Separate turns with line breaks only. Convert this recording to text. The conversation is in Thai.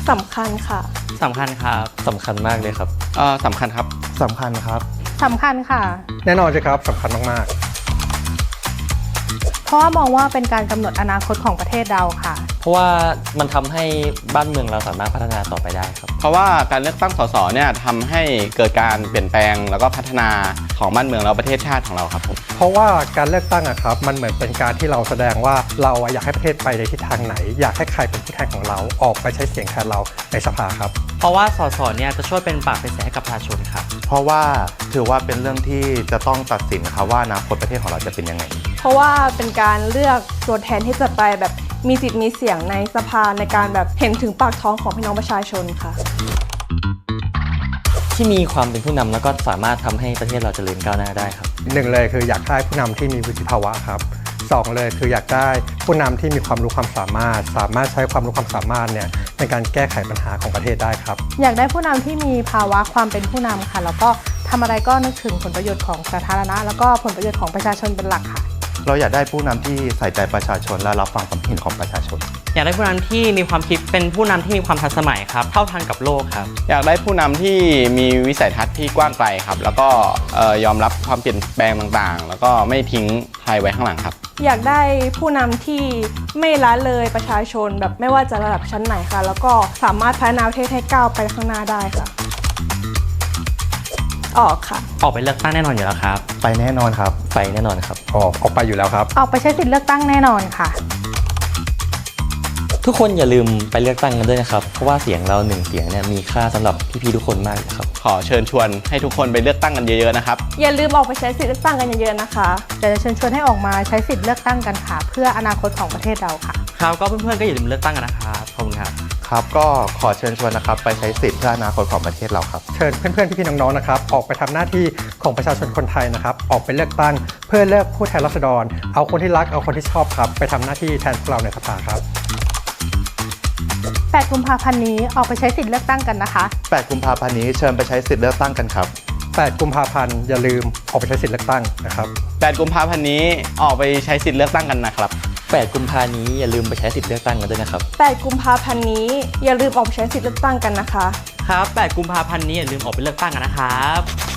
สำคัญค่ะ
สำคัญครับ
สำคัญมากเลยครับ
สำคัญครับ
สำคัญครับ
สำคัญค่ะ
แน่นอนใช่ครับสำคัญมาก
เพราะว่ามองว่าเป็นการกำหนดอนาคตของประเทศเราค่ะ
เพราะว่ามันทำให้บ้านเมืองเราสามารถพัฒนาต่อไปได้ครับ
เพราะว่าการเลือกตั้งสสเนี่ยทำให้เกิดการเปลี่ยนแปลงแล้วก็พัฒนาของบ้านเมืองแล้วประเทศชาติของเราครับผม
เพราะว่าการเลือกตั้งครับมันเหมือนเป็นการที่เราแสดงว่าเราอยากให้ประเทศไปในทิศทางไหนอยากให้ใครเป็นผู้แทนของเราออกไปใช้เสียงแทนเราในสภาครับ
เพราะว่าสสเนี่ยจะช่วยเป็นปากเป็นเสียงให้กับประชาชนครับ
เพราะว่าถือว่าเป็นเรื่องที่จะต้องตัดสินครับว่าอนาคตประเทศของเราจะเป็นยังไง
เพราะว่าเป็นการเลือกตัวแทนที่จะไปแบบมีสิทธิ์มีเสียงในสภาในการแบบเห็นถึงปากท้องของพี่น้องประชาชนค่ะ
ที่มีความเป็นผู้นำแล้วก็สามารถทำให้ประเทศเราเจริญก้าวหน้าได้ครับ
1เลยคืออยากได้ผู้นำที่มีวุฒิภาวะครับ2เลยคืออยากได้ผู้นำที่มีความรู้ความสามารถใช้ความรู้ความสามารถเนี่ยในการแก้ไขปัญหาของประเทศได้ครับ
อยากได้ผู้นำที่มีภาวะความเป็นผู้นำค่ะแล้วก็ทำอะไรก็นึกถึงผลประโยชน์ของสาธารณะแล้วก็ผลประโยชน์ของประชาชนเป็นหลักค่ะ
เราอยากได้ผู้นำที่ใส่ใจประชาชนและรับฟังความเห็นของประชาชน
อยากได้ผู้นำที่มีความคิดเป็นผู้นำที่มีความทันสมัยครับเท่าทันกับโลกครับ
อยากได้ผู้นำที่มีวิสัยทัศน์ที่กว้างไกลครับแล้วก็ยอมรับความเปลี่ยนแปลงต่างๆแล้วก็ไม่ทิ้งใครไว้ข้างหลังครับ
อยากได้ผู้นำที่ไม่ละเลยประชาชนแบบไม่ว่าจะระดับชั้นไหนค่ะแล้วก็สามารถพัฒนาประเทศให้ก้าวไปข้างหน้าได้ค่ะออกค่ะ
ออกไปเลือกตั้งแน่นอนอยู่แล้วครับ
ไปแน่นอนครับ
ไปแน่นอนครับ
ออกไปอยู่แล้วครับ
ออกไปใช้สิทธิ์เลือกตั้งแน่นอนค่ะ
ทุกคนอย่าลืมไปเลือกตั้งกันด้วยนะครับเพราะว่าเสียงเรา1เสียงเนี่ยมีค่าสำหรับพี่ๆทุกคนมากเลยครับ
ขอเชิญชวนให้ทุกคนไปเลือกตั้งกันเยอะๆนะครับ
อย่าลืมออกไปใช้สิทธิ์เลือกตั้งกันเยอะๆนะคะ
จะเชิญชวนให้ออกมาใช้สิทธิ์เลือกตั้งกันค่ะเพื่ออนาคตของประเทศเราค่ะ
ครับก็เพื่อนๆก็อย่าลืมเลือกตั้งกันนะครับขอบคุณครับ
ครับก็ขอเชิญชวนนะครับไปใช้สิทธิ์เพื่ออนาคตของประเทศเราครับ
เชิญเพื่อนๆพี่ๆน้องๆนะครับออกไปทำหน้าที่ของประชาชนคนไทยนะครับออกไปเลือกตั้งเพื่อเลือกผู้แทนราษฎรเอาคนที่รักเอาคนที่ชอบครับไปทำหน้าที่แทนพวกเราในสภาครับ
8 กุมภาพันธ์นี้ออกไปใช้สิทธิ์เลือกตั้งกันนะคะ
8 กุมภาพันธ์นี้เชิญไปใช้สิทธิ์เลือกตั้งกันครับ
8 กุมภาพันธ์อย่าลืมออกไปใช้สิทธิ์เลือกตั้งนะครับ
8 กุมภาพันธ์นี้ออกไปใช้สิทธิ์เลือกตั้งกันนะครับ
8 กุมภาพันธ์นี้อย่าลืมไปใช้สิทธิ์เลือกตั้งกันด้วยนะครับ
8 กุมภาพันธ์นี้อย่าลืมออกไปใช้สิทธิ์เลือกตั้งกันนะคะ
ครับ8 กุมภาพันธ์นี้อย่าลืมออกไปเลือกตั้งกันนะครับ